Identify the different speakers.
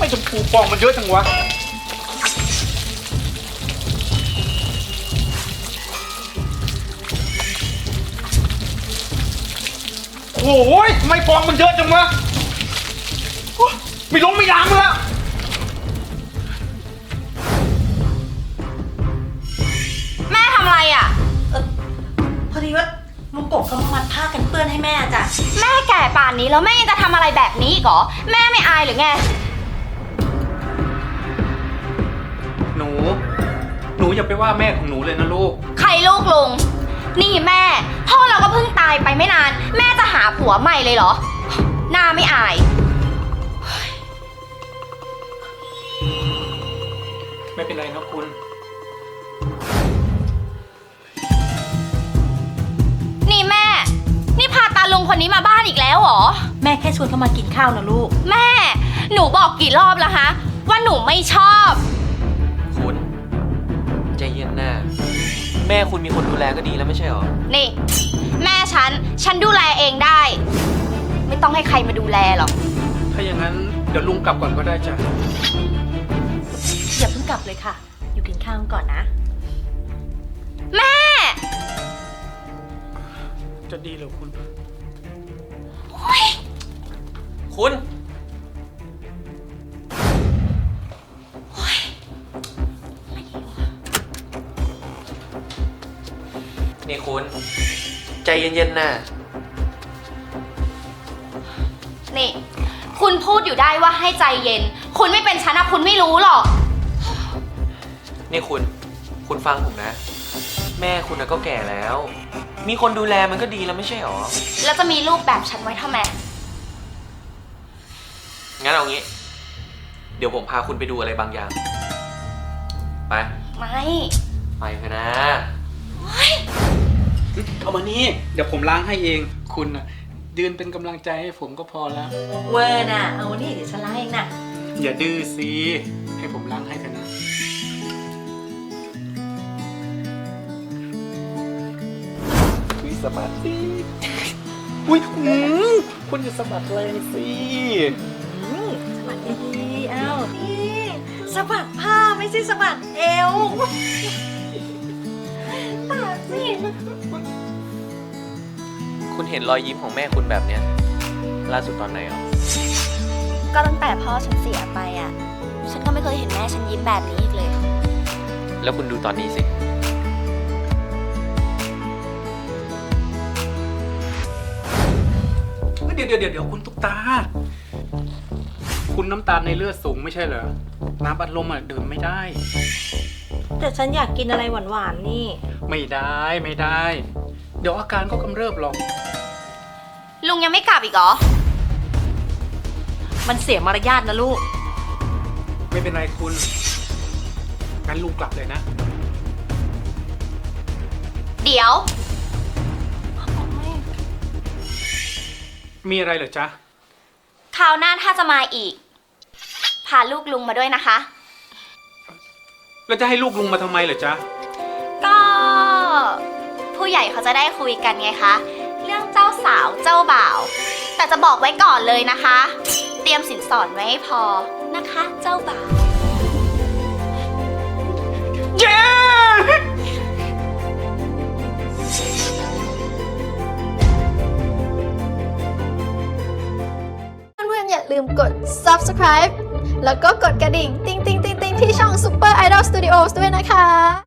Speaker 1: ไม่ชมพูฟองมันเยอะจังวะโอ้ยทำไมฟองมันเยอะจังวะไม่ล้างแล้ว
Speaker 2: แม่ทำอะไรอ่ะ
Speaker 3: พอดีว่าลุงกบเขามามัดผ้ากันเปื้อนให้แม่จ้ะ
Speaker 2: แม่แก่ป่านนี้แล้วแม่ยังจะทำอะไรแบบนี้อีกเหรอแม่ไม่อายหรือไง
Speaker 1: หนูอย่าไปว่าแม่ของหนูเลยนะลูก
Speaker 2: ใครลูกลุงนี่แม่พ่อเราก็เพิ่งตายไปไม่นานแม่จะหาผัวใหม่เลยเหรอหน้าไม่อาย
Speaker 1: ไม่เป็นไรนะคุณ
Speaker 2: นี่แม่นี่พาตาลุงคนนี้มาบ้านอีกแล้วเหรอ
Speaker 3: แม่แค่ชวนเขามากินข้าวนะลูก
Speaker 2: แม่หนูบอกกี่รอบแล้วฮะว่าหนูไม่ชอบ
Speaker 4: คุณใจเย็นนะแม่คุณมีคนดูแลก็ดีแล้วไม่ใช่หรอ
Speaker 2: นี่แม่ฉันดูแลเองได้ไม่ต้องให้ใครมาดูแลหรอก
Speaker 1: ถ้าอย่างนั้นเดี๋ยวลุงกลับก่อนก็ได้จ้ะ
Speaker 3: อย่าเพิ่งกลับเลยค่ะอยู่กินข้าวก่อนนะ
Speaker 2: แม่
Speaker 1: จะดีเหรอคุณ
Speaker 4: คุณนี่คุณใจเย็นๆนะ
Speaker 2: นี่คุณพูดอยู่ได้ว่าให้ใจเย็นคุณไม่เป็นฉันนะคุณไม่รู้หรอก
Speaker 4: นี่คุณฟังผมนะแม่คุณก็แก่แล้วมีคนดูแลมันก็ดีแล้วไม่ใช่หรอ
Speaker 2: แล้วจะมีลูกแบบฉันไว้ทำไม
Speaker 4: งั้นเอางี้เดี๋ยวผมพาคุณไปดูอะไรบางอย่างไปไปเถอะนะ
Speaker 1: เอามานี่เดี๋ยวผมล้างให้เองคุณน่ะยืนเป็นกำลังใจให้ผมก็พอแล้ว
Speaker 3: เวอร์น่ะเอานี่เดี๋ยวฉันล้างเองนะ
Speaker 1: อย่าดื้อสิให้ผมล้างให้เถอะนะสะบัดสิอุ้ยคุณจะสะบัดแรงสิ
Speaker 3: สะบัดดีๆเอ้านี่สะบัดผ้าไม่ใช่สะบัดเอวตาสิ
Speaker 4: คุณเห็นรอยยิ้มของแม่คุณแบบเนี้ยล่าสุดตอนไหนอ่ะ
Speaker 2: ก็ตั้งแต่พ่อฉันเสียไปอ่ะฉันก็ไม่เคยเห็นแม่ฉันยิ้มแบบนี้อีกเลย
Speaker 4: แล้วคุณดูตอนนี้สิ
Speaker 1: เดี๋ยวคุณตุ๊กตาคุณน้ำตาลในเลือดสูงไม่ใช่เหรอน้ำอัดลมดื่มไม่ได้
Speaker 3: แต่ฉันอยากกินอะไรหวานๆนี่
Speaker 1: ไม่ได้เดี๋ยวอาการก็กำเริบหรอก
Speaker 2: ลุงยังไม่กลับอีกเหรอ
Speaker 3: มันเสียมารยาทนะลูก
Speaker 1: ไม่เป็นไรคุณงั้นลุงกลับเลยนะ
Speaker 2: เดี๋ยว
Speaker 1: มีอะไรเหรอจ๊ะ
Speaker 2: คราวหน้าถ้าจะมาอีกพาลูกลุงมาด้วยนะคะ
Speaker 1: แล้วจะให้ลูกลุงมาทำไมเหรอจ๊ะ
Speaker 2: ก็ผู้ใหญ่เขาจะได้คุยกันไงคะเรื่องเจ้าสาวเจ้าบ่าวแต่จะบอกไว้ก่อนเลยนะคะเตรียมสินสอดไว้ให้พอนะคะเจ้าบ่าว
Speaker 1: เย้
Speaker 5: อย่าลืมกด subscribe แล้วก็กดกระดิ่ง ติ๊งๆๆๆที่ช่อง Super Idol Studios ด้วยนะคะ